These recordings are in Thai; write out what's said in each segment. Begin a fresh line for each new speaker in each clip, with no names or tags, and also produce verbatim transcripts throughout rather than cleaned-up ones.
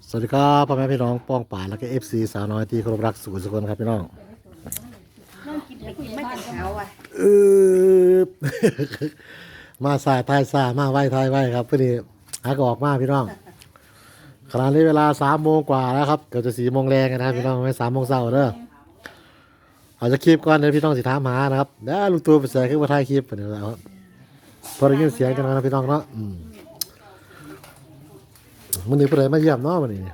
สวัสดีครับพ่อแม่พี่น้องป้องป่าและก็เอฟซีสาวน้อยที่เคารพรักสุขสุขคนครับพี่น้อง
ไม่แต่เช้าอ่ะ
เออ มาสายทายสามาไหวทายไหวครับพอดีหากออกมาพี่น้องขณะนี้เวลาสามโมงกว่าแล้วครับเกือบจะสี่โมงแรงนะครับพี่น้องไม่สามโมงเช้าเด้ออาจจะคลิปก่อนเดี๋ยวพี่น้องสิถามหานะครับเดี๋ยวลูกตัวไปใส่ขึ้นมาถ่ายคลิปเดี๋ยวแล้วพอได้ยินเสียงกันนะพี่น้องเนาะมันนี่ผู้ใดมาเยี่ยมเนาะมันนี่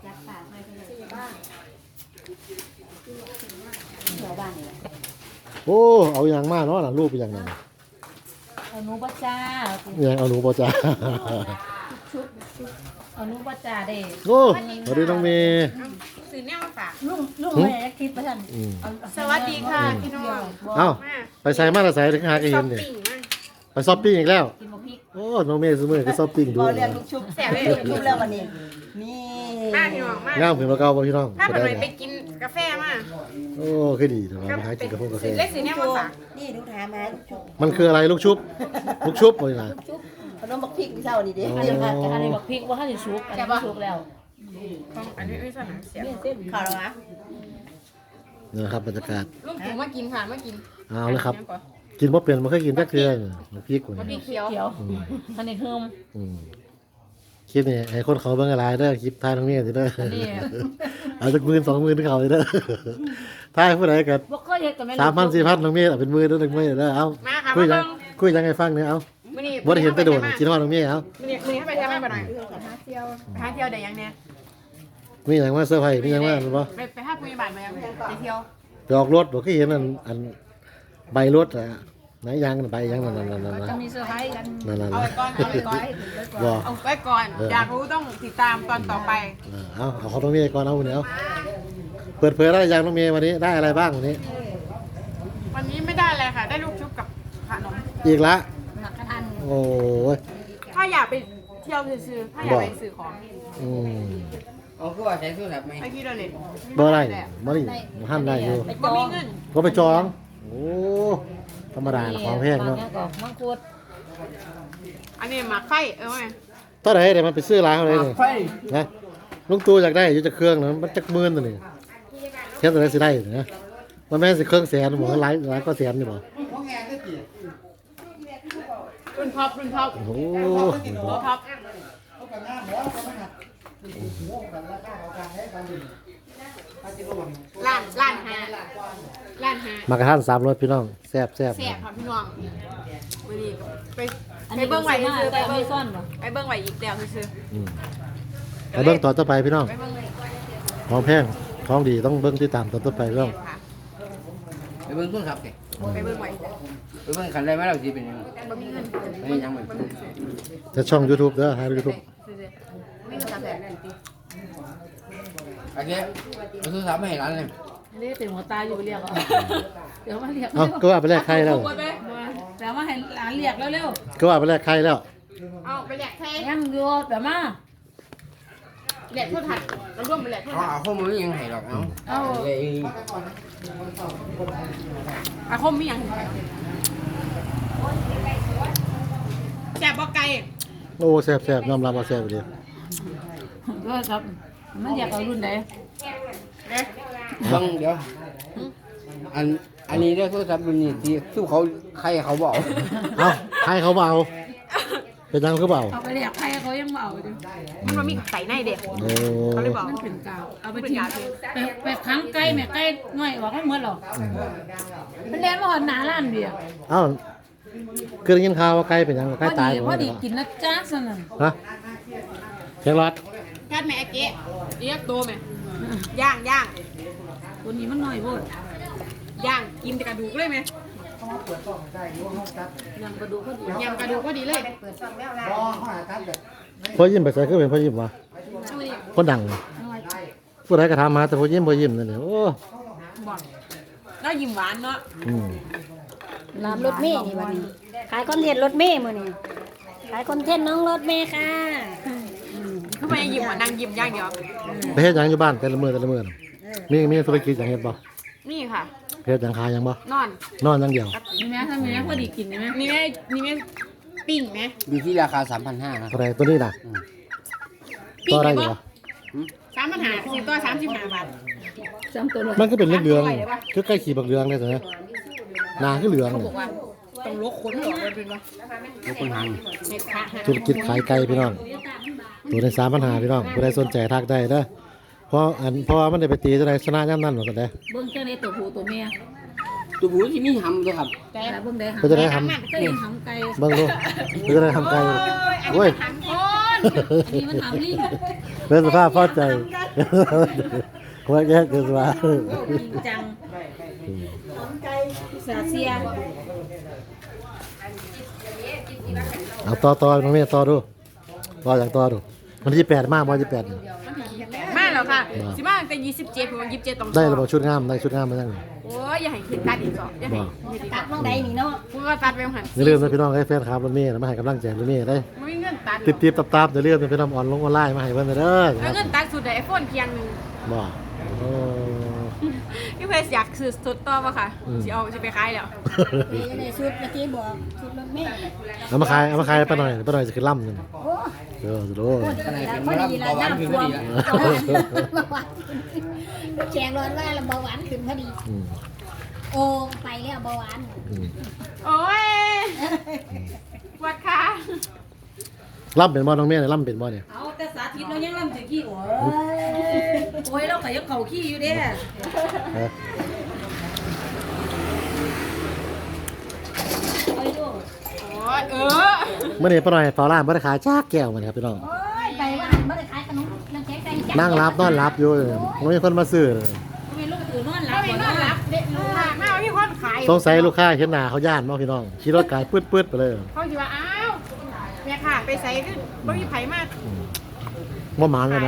โอ้เอาอย่างมากเนาะหลังรูปเป็นอย่างนั้น
เอาหนูบ่จ้า
อย่างเอาหนูปอจ้า
ชุบเอาหนูบ่จ้าเด้
โอ้สวัสดีน้องเมย์
ซื้อเนี่ยมาฝาก
ลุงลุงแม่คิดว่าท่าน
อืม
สวัสดีค่ะพี่น้อง
เอ้าไปใส่มาละใส่ถึงหาก็เห็นเนี่ย
ช้อปปิ้งมา
ไปช้อปปิ้งอีกแล้ว
กินบ่พริก
โอ้น้องเมย์สมือก็ช้อปปิ้งดู
เราเรียนลูกชุบ
แสบเลย
ลูกชุบแล้ววันนี้นี่
มาพี่น้องมาง
ามถึงเราเก่าบ่พี่น้อง
ถ้า
ก็
เป็น
ได้
ไรไป
เนี่ย
กินกาแฟมา
โอ้คือดีแต่ว่าไปหากินกับพวกกาแฟ
ซื้อเล็กซื้อเนี่ยมาฝาก
นี่ลูกถามมาลูกชุบ
มันคืออะไรลูกชุบลูกชุบบ่นี่นะ
ชุบขนมบักพริกเช้านี่เด้
อ๋อ
เดี๋ยวค่ะ
อันนี้บอกพริกว่าท่านสิชุบอันนี้ชุบแล้ว
ของอันนี้ไม่สนามเสีย
เนี่ยเส้น
ข่าวแล้วนะ
นะครับบรรยากาศ
ลูกถุงมากินค่ะมากิน
เอาเลยครับ กินบ่เป็นบ่เคยกินจักเทื่อน้ำพริกกว่า
พริ
นี้
กเขียว
เขียวอันนี้เพิ่ม
อืมคลิปนี่ให้คนเขาเบิ่งอะไรเด้อคลิปทายน้องเมย์สิเด้อ
อันนี้
เอาจากหมื่นสองหมื่นเขาเลยเด้อทายผู้ใดกัน
บ่เคยเฮ็ดกับแม่
สามพันสี่พันน้องเมย์เอาเป็นหมื่นเด้อน้องเมย์เด้อเอา
มาค่ะ
คุย
มา
ยัง
เบิ่ง
คุยยังไงฟังเนี่ยเอา
มื้อนี้
บ่ได้เห็นแต่โดนกินฮอดน้องเมย์เอา
มื้อนี้มื้อนี้ให้ไปเที่ยวมาบ่หน่อยหาเที่ยวหาเที่ยวได้ยังเนี่ย
มีหยังมาเซอร์ไพรส์มีหยังมาอันบ่
ไปไปหาผู้ใหญ่บ้านมายังไปเที่ยว
ไปออกรถบ่เคยเห็นอันอันใบรถอะไหนยางนั่นใบยางนั่นนั่นนั่นนั่น
จะมีเซอร์ไพรส์กัน
นั่นนั่น
เอาไว้ก่อนเอาไว้ก่อน
บ่
เอาไว้ก่อน อยากรู้ต้องติดตามตอนต่อไป
เออเอาเอาของน้องเมย์ก่อนเอาเนี่ยเอาเปิดเผยได้ยังน้องเมย์วันนี้ได้อะไรบ้างวันนี้
วันนี้ไม่ได้เลยค่ะ ได้ลูกชุบกับขนม
อีกละ
หนักกันอัน
โอ้ย
ถ้าอยากไปเที่ยวซื้อๆถ้าอยากไปซื้อของ
อืม
เอาคือว่าใช้โทรศัพท์ไหม
ไปที่เดลิท
บ่ได้บ่ได้บ่ทันได้อยู่
ไปจ
บ่
อ
มี
ง
เงิน
ก็ไปจองโอ้ธรรมดาละของแพงเนาะ
ก็มังคุด
อันนี้หมักไฟเออไหม
เท่าไหร่เดี๋ยวมันไปซื้อร้านเขาเลยนี่
ไฟ
นะลุงตู่อยากได้อยู่จะเครื่องนะมันจักหมื่นตัวนี่เทียบตัวไหนสิได้นะมันแม่นสิเครื่องแสนหมอหลายหลายก็แสนนี่บ่
รุ่นท็อปรุ่นท็อป
โอ้โห
โตท็อปล้านล้านหาล้านหาม
ากระทันสามรสพี่น้องแซ่บแซ่บ
แสบค่ะพี่น้องวันนี้ไป
อัน
ไป
นี้
เบิ้งไหว
ซื้อมา
ซื้อไป
แต่ไม่
เบิ้ง
ซ่อนบ่
ไปเบิ้งไหวอีกแล้วซื้อ
อืมไปเบิ่งต่อต่อไปพี่น้อง
ไปเบิ้งไหว
ของแพงของดีต้องเบิ่งติดตามต่อต่อไปพี่น้อง
ค่ะ
ไปเบิ่งโทรศัพท์แก
ไปเบิ้งไหว
ไปเบิ่งคันได้ไหมเราสิเป็นยังไง
บ่มีเงิน
ไม่ยังไม่
จะช่อง YouTube เด้อหา YouTube
ซื้อๆไม่มีสามแสน
โอเคเอาโทรศัพท์มาให้ร้านเลย
เรียกถึงหัวตาอยู่เรียกเอาเดี๋ยวมาเรียก
เอ้าก็ว่าไปแลกไข่แล้ว
เดี๋ยวมาให้หลานเรียกเร็ว
ก็ว่าไปแลกไข่แล้ว
เอาไปแหลกแทง
ๆยังอยู่เดี๋ยวมา
แหลกทั่วถัดเราร่วมไปแหลกทั่ว
เอา
ถัด
เอาข้อมูลยังให้หรอกเอาเอาเลย
อาคมมีอย่างแสบบ่ไก่
โอ้แซ่บแซ่บยอมรับว่าแซ่บอยู่ดี
ก็ครับมันอยากเอารุ่นไหน
เด้
เบิ่งเดี๋ยวอันอันนี้เด้อโทรศัพท์รุ่นนี้ที่สู้เขาใครเขาบอก
เอ้าให้เขาเบาเป็นยังคือเบา
เอาไปเรียกใครเขายังมาเอาอยู่
มันมามีไก่ในเด็ก
โอ้
เขาเลยบอก
มันเป็นกาวเอาไปทิ้งไปไปค้างไก่แม่ไก่น้อยออกให้หมดหรอกมันแล่นมาหอดหนาร้านเบียร์
เอ้าคือได้ยินข่าวว่าไก่เป็นยังไก่
พอ
ตาย
ดี
บ่
พอดีกินนะจ้าสนั่น
ฮะเชียงรัด
กัดแม่เก๊เรียกตัวแม่ย่างย่าง
ตัวนี้มันน้อยโพด
ย่างกินแต่กระดูกเลยไหม
ยังกระดูกพอดี
ยำกระดูกก็ดีเลย
พ่อยิ้มไปใส่คือเป็นพ่อยิ้มวะคนดังผู้ใดก็ถามมาแต่พ่อยิ้มพ่อยิ้มนั่นแหละโอ้
บอกแล้วยิ้มหวานเนาะ
อืม
น้ำรถเมย์นี่วันนี้ขายคอนเทนต์รถเมย์มื้อนี้ขายคอนเทนต์น้องรถเมย์ค่ะ
ทำไมยิ้มหวานนั่งยิ้มอย่างเดียว
ไปเฮ็ดหยังอยู่บ้านแต่ละมื้อแต่ละมื้อน่ะมีมีธุรกิจหยังเฮ็ดบ่
นี่ค่ะ
เฮ็ดหยังขายหยังบ่
นอน
นอนอย่างเดียว
นี่แม่ทำไมพอดีกินนี่ไหม
นี่แม่นี่แม่ปิ้งไหม
อยู่ที่ราคาสามพันห้าครับ
อะไรตัวนี้น่ะ
ปิ้
ต่
ง
อ
ไหม
ได้อยู่
บ่
บ่
สามปัญหาสิตัวสามสิบห้าบาท
ซ้ำตัวเลย
มันก็เป็นเหลืองๆคือใกล้ขี่บักเหลืองเลยใช่ไหมหนาคือเหลือง
เขา
เล
บอย กว่าต้องลกขนออกเลยเป็นว่า
ลูกคนหาง
เห็ดขาหัก
ธุรกิจขายไก่พี่น้องตัวในสามปัญหาพี่น้องผู้ใดสนใจทักได้เด้อเพราะอันเพราะว่ามันได้ไปตีจะได้ชนะย่ำนั่นหมดเลย
เบิ่งจังได๋ตัวผู้ตัวเมีย
ตัวผู้ที่มีหำด้วยครับ
แต่
แต่เบิ่งได้หา
ก็จะได้ท
เคยเห็นหำไก่
ำเบิ้งดูก็จะได้ทำไก่โอ้ย
หันคน
อันนี้มันหำลิง
เป็นสภาพพอใจว่าแยกกันว่า
จริงจังสาเซีย
เอาต่อต่อน้องเมย์ต่อดูต่อจากต่อดูวันที่แปดมากวันที่แปด
มาแล้วค่ะสิมาตั้งแต่ยี่สิบเจ็ดผมยี่สิบเจ็ดต้อง
ได้ระบบชุดงามได้ชุดงามมาตั้ง
โอ้ยอย่าให้ขึ้นตัดอีกสองอย่าให้
ตัดน้องใดนี่เนาะ
กูก็ตัดไปหัน
อย่าลืมนะพี่น้องให้แฟนคลับรถเมย์มาให้กำลังใจรถเมย์ได้
ไม่มีเงินตัด
ติบติบตับตับอย่าลืมนะพี่น้องออนลงออนไลน์มาให้เพิ่นเด้อค
แล้
รั
ว
บ
เงินตัดสุดไอโฟนเพียงหนึ่ง
บ่โอ้
พี่เพชรอยากซื้อสุดต่อป่ะค่ะสิเอาจะไปขายแล้ว
นี่ในชุดเมื่อกี้บอกชุดรถเมล์
เอามาขายเอามาขายไปหน่อยไปหน่อยจะขึ้นล่ำนึง
โอ้
เออสุดโลด
แล้วพอดีละน้ำท่วมเบาหวานแข็งร้อนว่าแล้วเบาหวานขึ้นพอดี
อืม
โอ้ไปแล้วเบาหวาน
อืม
โอ้ยปวดขา
ล่ำเป็นบ่น้องเมย์เนี่ยล่ำเป็นบ่เนี่ย
เอาแต่สาธิตเรายังลำถือขี้โอ้ยโอ้ยเราก็ยังเข่าขี้อยู่เด้
ฮะ
โอ้ยลูก
โอ้ยเออ
เมื่อนี้ไปหน่อยเฝ้าร้านบ่ได้ขายจ้าแก้วมันครับพี่น้อง
โอ้ยไปว่าหันมาได้ขายขนมน้ำแข็งไก่จ้ะ
นั่งรับนอนรับอยู่ไม่มีคนมาซื้อ
ทำไมลูกตื่นนอนหลั
เรา
บ
ไม่
บ่
น
น
อ
อน น
ห
ห
ลั
ลั
บบ เด็กลูกค้ามาพี่คนขาย
สงสัยลูกค้าเห็นหน้าเขาย่านเนาะพี่น้องขี่รถไกลปื๊ดๆไปเลย
เขาคิดว่าอ้าวแม่ค่ะไปใส่ก็บ่มีไผมาก
บ่หมานเลย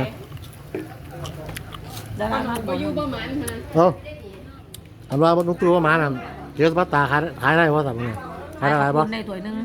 ขาย
นะ
ดารามา
บ่อยู่บ่หมันนะ
เอ้าอันว่าลุงตู่ว่าหมาน่ะเกี๊ยวสปาตาขายขายได้บ่สั่งเนี่ยขายได้หลายบ่
ในถ้วยหนึง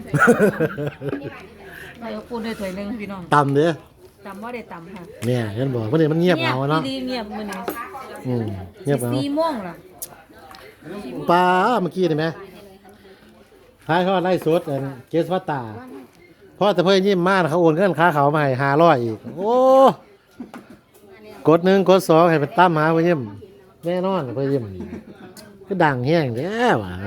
ในปูนในถ้วยหนึงพี่น้อง
ต่ำเด้อ
ตำบ่ได้ตำค่ะ
เนี่ยเห็นบ่วันนี้มันเงียบเหงาเนาะ
ดีเงียบมื้อนี้
อืมเงียบเหงา
สี่โมงล่ะ
ปลาเมื่อกี้นี่ไหมขายเขาไล่สดอันเกี๊ยวสปาตาเพราะแต่เพิ่นยิ้มมากเขาโอนเงินค่าเขามาให้ห้าร้อยอีกโอ้กดหนึ่งกดสองให้เป็นตั้มหาเพิ่นยิ้มแน่นอนเพิ่นยิ้มก็ดังแห้งแท้ว่ะ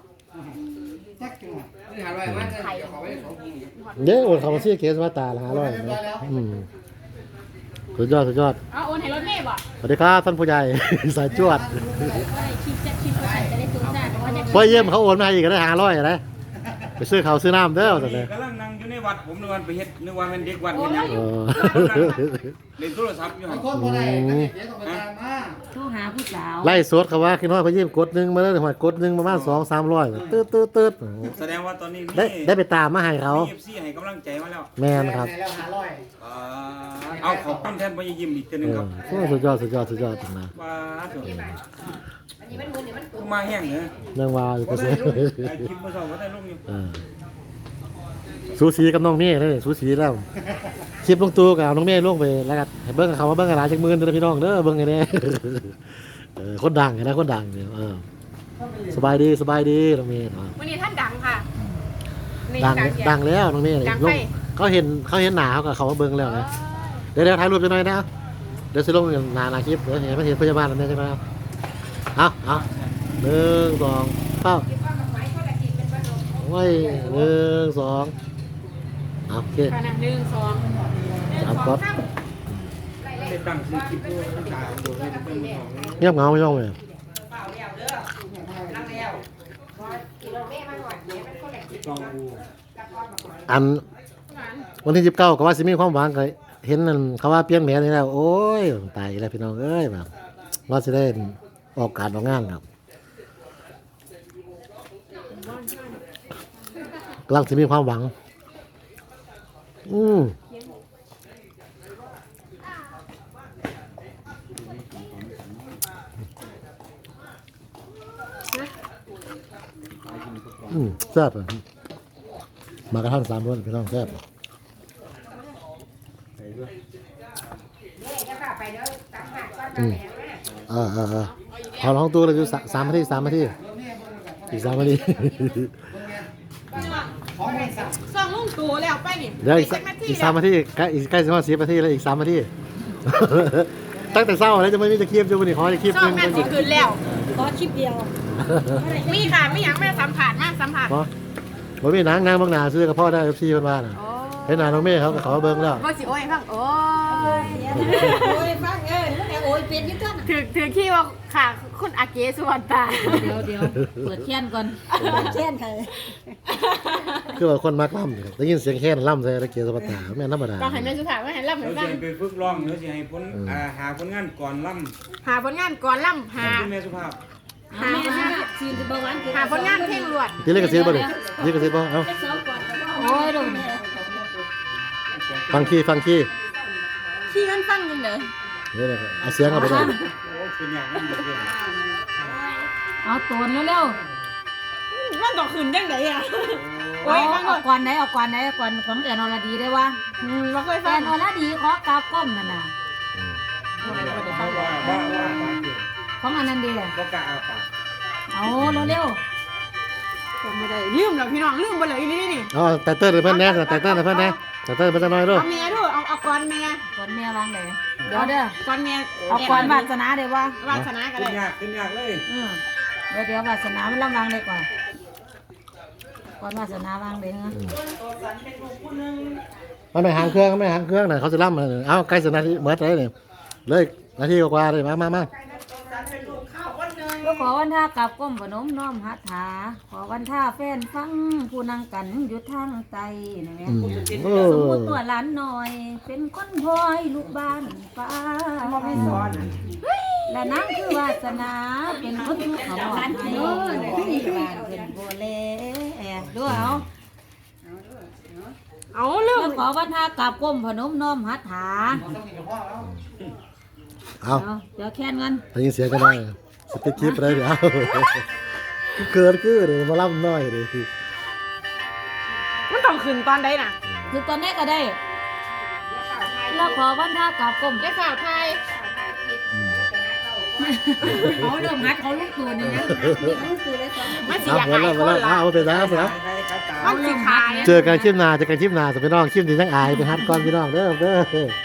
เด้อโอนเขามาซื้อเกี๊ยวสปาตาละห้าร้อยอืมสุดยอดสุดยอด
เอาโอนให้รถเมย์บ่
สวัสดีครับท่านผู้ใหญ่ สายจวด
คิดจะคิดว่าจะได้ตุ้งได้เพราะว่าจะ
พ่อเยี่ยมเขาโอนมาอีกก็ได้ห้าร้อยนะไปซื้อเขาวซื้อน้ำเด้อแต่เลย
กำลังนั่งอยู่ในวัดผมนึกว่าไปเฮ็ดนึกว่าเป็นเด็กวัดเฮ็ดหยัง
เออ
เล่นโทรศัพท์อยู่หั่น
โทรหาผู้สาว
ไล่สดเขาว่าคิดว่าพ่อเยี่ยมกดหนึ่งมาแล้วหัวกดหนึ่งประมาณสองสามร้อยตืดตืดตืด
แสดงว่าตอนนี้มี
ได้ได้ไปตามมาให้เขา
เอฟซีให้กำลังใจมาแล้ว
แมนครับ
อ่าเอาขอบคุณแทนพ่อยิ้มอีกทีหนึง
เอ
ค
อ
รับ
โอ้สุดยอดสุดยอดสุดยอดจริงนะ
ว่าสุดมาแห้งเหรอ
เรื่องว่าอยู่
บ่
ก็
ได้
เสีย
ลงไอ้คลิปเมื่อเช้าบ่ได้ลงอยู่
เออสูสีกับน้องเมย์เลยสูสีแล้วคลิปลงตัวกับน้องเมย์ลงไปแล้วกันให้เบิ้งกับเขาว่าเบิ้งกับหลานจากมือเด้อพี่น้องเด้อเบิ้งไงเนี่ยเออคนดังไงนะคนดังเนี่ยเออสบายดีสบายดีน้องเมย์เนาะ
วันนี้ท่านดังค่ะนี่
ดัง
เสีย
ดังแล้วน้องเมย์
ดัง
ล
ไป
งเขาเห็นเขาเห็นหนาเขากับเขาว่าเบิ้งแล้วนะเดี๋ยวเดี๋ยวถ่ายรูปจะหน่อยนะเดี๋ยวจะลงหนาหนาคลิปเดี๋ยวเห็นไม่เห็นพยาบาลนั่นใช่ไหมครับเอาเอาหนึ่งสองเป้าโอ้ยหนึ่งสองเอาโอเค
ค่ะนะหนึ่งสองหนึ่ง
สาม
สอง
ก๊อต
สาม
ได้ตั้งชื่อคลิปด้วยตาดูให้เพิ่นบอก
เงียบเหงาไม่ต้องเลย
ลองดู
อันวันที่สิบเก้าก็ว่าสิมีความหวังก็เห็นนั่นเขาว่าเปลี่ยนแผนนี่แล้วโอ้ยตายแล้วพี่น้องเอ้ยแบบว่าจะได้ออกการออกงานครับกำลังจะมีความหวัง อืมอืมแซ่บอ่ะมากระทั่งสามคนพี่น้องแซ่บอืมเออเออเออขอร้องตัวเลยอยู่สาสามนาทีสามนาทีอีกสามนาที
สองลุงตู่แล้วไปนี่
เดี๋ยวอีก
ไป
สัก
นาที
อีก
แล้
สาว มนาทีใกล้อีกใกล้สิบห้าสิบนาทีแล้วอีกสามนาทีตั้งแต่เศร้าแล้วจะไม่มีจะคลิปจะวันนี้ขอจะคลิป
ชอบแม่นสิคืนแล้ว
ขอคลิปเดียว
มีค่ะไม่อยากแม่สัมผัสมากสัมผัส
เพราะผมมีนางนางบางนาซื้อกับพ่อได้เอฟซีเพิ่นว่าน่ะ
โอ้
เห็นหน้าน้องเมย์เขาก็ขอเบิ่งแล้ว
ก็สิโอ้ยฟังโอ้ย
โอ้ยฟังเออมันโอ้ยเป็นอยี่ต้น
ถือถือขี้ว่าค่ะคุณอาเกสุวรรณตา
เดี๋ยวเดี๋ยวเปิดเทียนก่อน
เช่นเคย
คือว่าคนมักล่ำนี่ครับได้ยินเสียงแค้นล่ำใส่ตะเกียบสปาตาแม่นธรรมดา
ต้องให้แม่สุภาพว่าให้รับให้
เรา
ฟั
จะ
ง
ไปฝึกร้องเราจะให้ผลอ่าหาผลงานก่อนล่ำ
หาผลงานก่อนล่ำหา
คุณแม่สุภาพ
หา
ซีนเบาหวาน
หาผลงานเพลงรวด
ที่เล่นกระซิบบ่ลูกนี่กระซิบบ่เอ้า
สองก่อน
โอ้ยดู
ฟังขี้ฟังขี้
ขี้กันฟังยังเด้อ
นี่แหละครับเอาเสียงเอาไปได้
โอ้เป็นอย่างนั้นเลย
เอาตัวเร็ว
มันต่อคืนยังไงอ่ะ
ๆ
โอ้
เอา
ยฟังก่
เอา
อน
ก่อนไหนเอาก่อนไหนเอาก่อนของแอนอรดีได้วะ
อืมเราเคย
แอ
ฟัง
นอรดีขอกราบก้มนั่นน่ะ
เพราะว่าว่าว่าปากเก่ง
ของอันนั้นเดีย
ก็กะอาปาก
เอาเร็ว
ผมไม่ได้ลืมแล้วพี่น้องลืมไปเลยนี่นี่
อ๋อแต่เติ้ลเพิ่นแน่แต่เติ้ลเพิ่นแน่แต่เติ้ลเพิ่นจะน้อยด้วย
เอาเมียด้วยเอาเอาก่อนเมีย
ๆก่อนเมียวางเลยเดี๋ยวเด้อ
ก่อนเมีย
เอาก่อนวาสนาเดี๋ยววะ
วาสนาก็
ขึ้
ได้
นยากขึ้นยากเลย
อืมเดี๋ยวเดี๋ยววาสนามันลำวางเลยก่อนก่อนวาสนาวางเลยนะ
มันไม่หางเครื่องไม่หางเครื่องน่ะเขาจะล่ำเลยเอ้าใกล้สิบนาทีเหมือนเลยนี่เลยนาทีกว่าๆเลยมามามา
ก็ขอวันท่ากลับก้มพนมน้อมหัตถาขอวันท่าแฟนฟังผู้นั่งกันอยู่ทางไตนี่แหละ
อืมโอ้
สมมติตัวหลานหน่อย เป็นคนพลอยลูกบ้านป้าและนั่งคือวาสนาเป็นคนทุกข์เขาบอกให้บ้านเป็นโบเล่ดูเอา
เอาลืม
แล้วขอวันท่ากลับก้มพนมน้อมหัตถา
เอา
เอาเดี๋ยวแค่นกัน
ได้ยินเสียงกันได้สติ๊กคลิปอะไรเดี๋ยวเอาเกิดคือเลยมาล่ำน้อยเลย
มันต้องคืนตอนใดน่ะ
คือตอนนี้ก็ได้ แล้วขอวันท่ากลับก้ม
ได้ข่าวไทย
เขาเริ่มหัดเขาลูกตัวนี่นะ
มันสิ
เอา
อยาก
มา
หาย
แล้ว
ค
มาน แล้ว
ละ
เอาไปแล้วเสร็จแล้ว
ใครใครตา
มันสิขาย
เจอกันคลิปหน้าเจอกันคลิปหน้าจะไปน้องคลิปนี้ทั้งอายไปฮัดก่อนพี่น้องเด้อเด้อ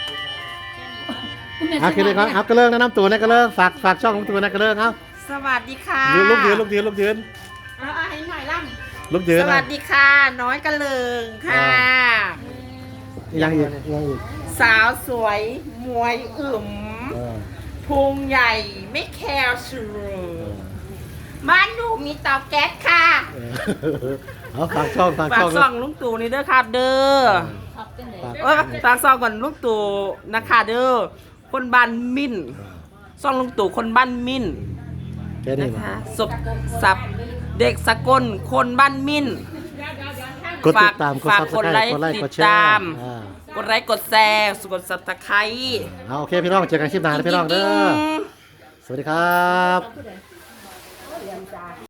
เอาคลิปนี้ก่อนเอากระเลิกแนะนำตัวนะกระเลิกฝากฝากช่องของตัวนะกระเลิกเอา
สวัสดีค่ะ
ยืนลูกยืนลูกยืนลูกยืน
เอาเอาให้หน่อยล่
ลูกยื
ำ
น
ส
นะ
วัสดีค่ะ น้อยกระเลิงค่ะ
ยังอีกยังอีก
สาวสวยมวยอึ๋ม
เออ
พุงใหญ่ไม่แคร์สูบ้านหนูมีเตาแก๊สค่ะ
เออเอาฝากช่องฝาก
ฝาก
ช่อง
ซองลุงตู่นี่เด้อค่ะเด้อ
ฝาก
เออฝากซองก่อนลุงตู่นะคะเด้อคนบ้านมิ่นซองลุงตู่คนบ้านมิ่น
แค่นี้
นะ
มา
คะศพสับเด็กสกลคนบ้านมิ่น
กดติดตามกด
ฝาก
ซับส
กด
ไคร
ไล
ต์
ค์
กดไลค์
ติ
ก
ด
ดแช
ตา
ร์
ม
อ่าก
ดไลค์กดแชร์กดสับตะไคร้
เอาโอเคพี่น้องเจอกันคลิปหน้านะพี่น้องเด้อสวัสดีครับ